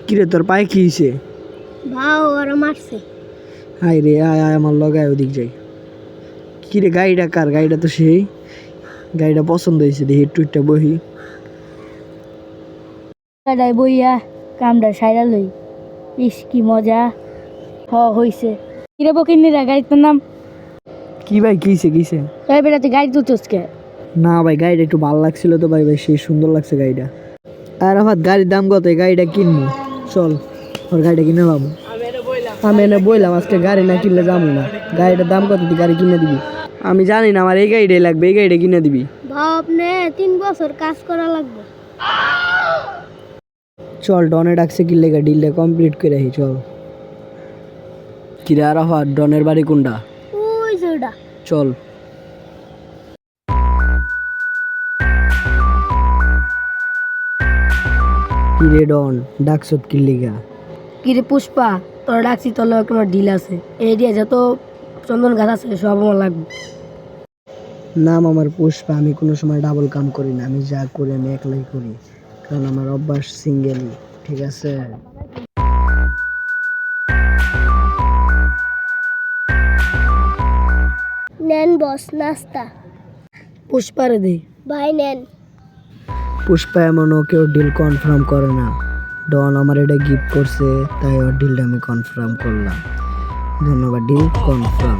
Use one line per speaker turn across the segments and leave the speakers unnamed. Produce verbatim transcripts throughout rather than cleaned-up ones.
কিরে তোর পায়ে কি হয়েছে?
ভাও ওরা মারছে।
হাই রে, আয় আয় আমার লগায় ওদিক যাই। কিরে গাড়িটা কার? গাড়িটা তো সেই গাড়িটা পছন্দ হয়েছে, দেখি একটু একটা বহি।
গাড়ি বইয়া কামটা সাইরা লই। ইস কি মজা হ হইছে। কিরে বকিনিরা গাড়ির নাম
কি ভাই কিছে কিছে?
তাই বেড়াতে গাড়ি তুলছস কে?
না ভাই গাড়িটা একটু ভালো লাগছিল তো ভাই, ভাই সেই সুন্দর লাগছে গাড়িটা। আর আমার গাড়ির দাম কত? এই গাড়িটা কিনবো, চল ওর গাড়িটা কিনে পাবো। আমি এনে বললাম আজকে গাড়ি না কিনলে যাবো না। গাড়িটার দাম কত? তুই গাড়ি কিনে দিবি? আমি জানি না, আমার এই গাড়িটাই লাগবে, এই গাড়িটা কিনে দিবি।
ভাও আপনি তিন বছর কাজ করা লাগবে।
চল ডনে ডাকছে কি লেগে, ডিলটা কমপ্লিট করে রাখি চল। কিরে আরাফাত, ডনের বাড়ি কোনটা?
ওই যেটা।
চল। কিরে ডন ডাকছত কি লেগা?
কিরে পুষ্পা, তোর ডাকছি তোর লগে কোনো ডিল আছে। এই দিয়ে যত চন্দন গাছ আছে সব আমার লাগবে।
নাম আমার পুষ্পা, আমি কোনো সময় ডাবল কাম করি না, আমি যা করি আমি একলাই করি, কারণ আমার অভ্যাস সিঙ্গেলই, ঠিক আছে?
নেন বস নাস্তা। পুষ্পারে দে ভাই নেন।
পুষ্পা এমনও কেউ ডিল কনফার্ম করে না, ডন আমার এটা গিফট করছে তাই ওর ডিলটা আমি কনফার্ম করলাম। ধন্যবাদ, ডিল কনফার্ম।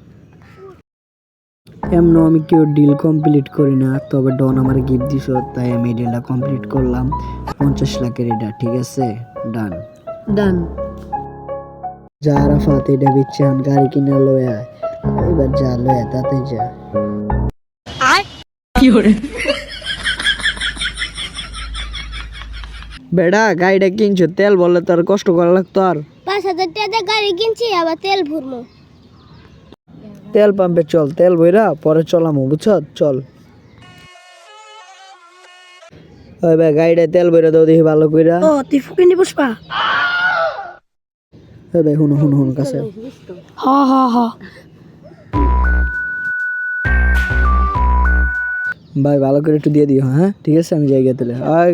এমনও আমি কেউ ডিল কমপ্লিট করি না, তবে ডন আমার গিফট দিছ তাই আমি ডিলটা কমপ্লিট করলাম। পঞ্চাশ লাখের এটা, ঠিক আছে? ডান
ডান।
যা আরাফাত, এটা বিচ্ছে এখন গাড়ি কিনে লয়ে আয়। এবার যা লয়ে তাতে যা। বেড়া গাড়িটা কিনছো, তেল বললে তো আর কষ্ট করা লাগতো? আর
পাঁচ হাজার টাকা গাড়ি কিনছি, আবার তেল ভরবো।
তেল পাম্পে চল, তেল বইরা পরে চলামো, বুঝছ? চল। ওই ভাই গাড়িটা তেল বইরা দাও দেখি ভালো কইরা।
ও তুই ফুকিনি পুষ্পা?
ওই ভাই হুনো হুনো হুনো কাছে।
হ হ হ।
ভাই ভালো করে একটু দিয়ে দিও, হ্যাঁ ঠিক আছে? আমি যাই গেলে আয়।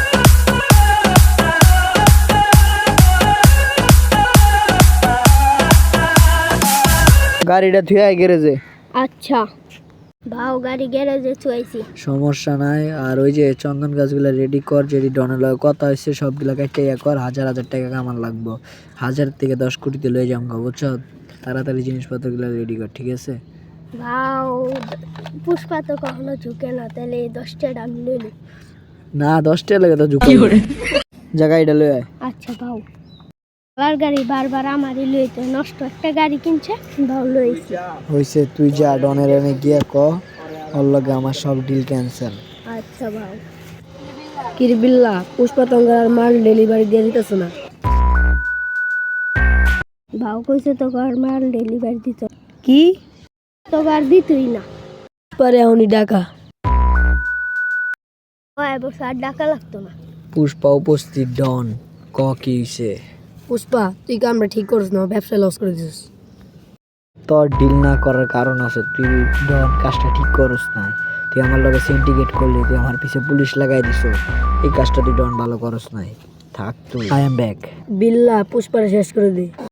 গাড়িটা থুয়ে আয় গ্যারেজে।
আচ্ছা ভাও গাড়ি গ্যারেজে থুয়াইছি।
সমস্যা নাই। আর ওই যে চন্দন গাছগুলা রেডি কর, যেটি ডনের লগে কথা হয়েছে সবগুলা কেটে ইয়া কর। হাজার হাজার টাকা কামান লাগবো, হাজার থেকে দশ কোটিতে লয়ে যাম গো, বুঝছ? তাড়াতাড়ি জিনিসপত্রগুলো রেডি কর, ঠিক আছে?
ভাও পুষ্পা তো কখনো ঝুঁকে না, তাহলে এই দশটা আমি লইলি।
না দশটা লাগে তো ঝুঁকি যা, গাড়িটা লয়ে আয়।
আচ্ছা ভাও। আমার গাড়ি বারবার আমারই লইতে নষ্ট, একটা গাড়ি কিনছে ভাও লইছি।
হইছে, তুই যা ডনের এনে গিয়া ক ওর লগে আমার সব ডিল ক্যান্সেল।
আচ্ছা ভাও। কিরে বিল্লা, পুষ্পা তঙ্গার মাল ডেলিভারি দিয়ে দিতেছ না? ভাও কইছে তো ঘর মাল ডেলিভারি দিত। কি তো আর দিতই না? পরে উনি ডাকা হয় বস, আর ডাকা লাগতো না।
পুষ্পা উপস্থিত। ডন ক কি হইছে?
পুষ্পা তুই কামটা ঠিক করিস না, ব্যবসা লস করে দিস।
তোর ডিল না করার কারণ আছে, তুই ডন কাজটা ঠিক করস না। তুই আমার লগে সিন্ডিকেট করলি, তুই আমার পিছে পুলিশ লাগাই দিছ, এই কাজটা তুই ডন ভালো করস নাই। থাক তুই, আই এম ব্যাক।
বিল্লা পুষ্পারে শেষ করে দে।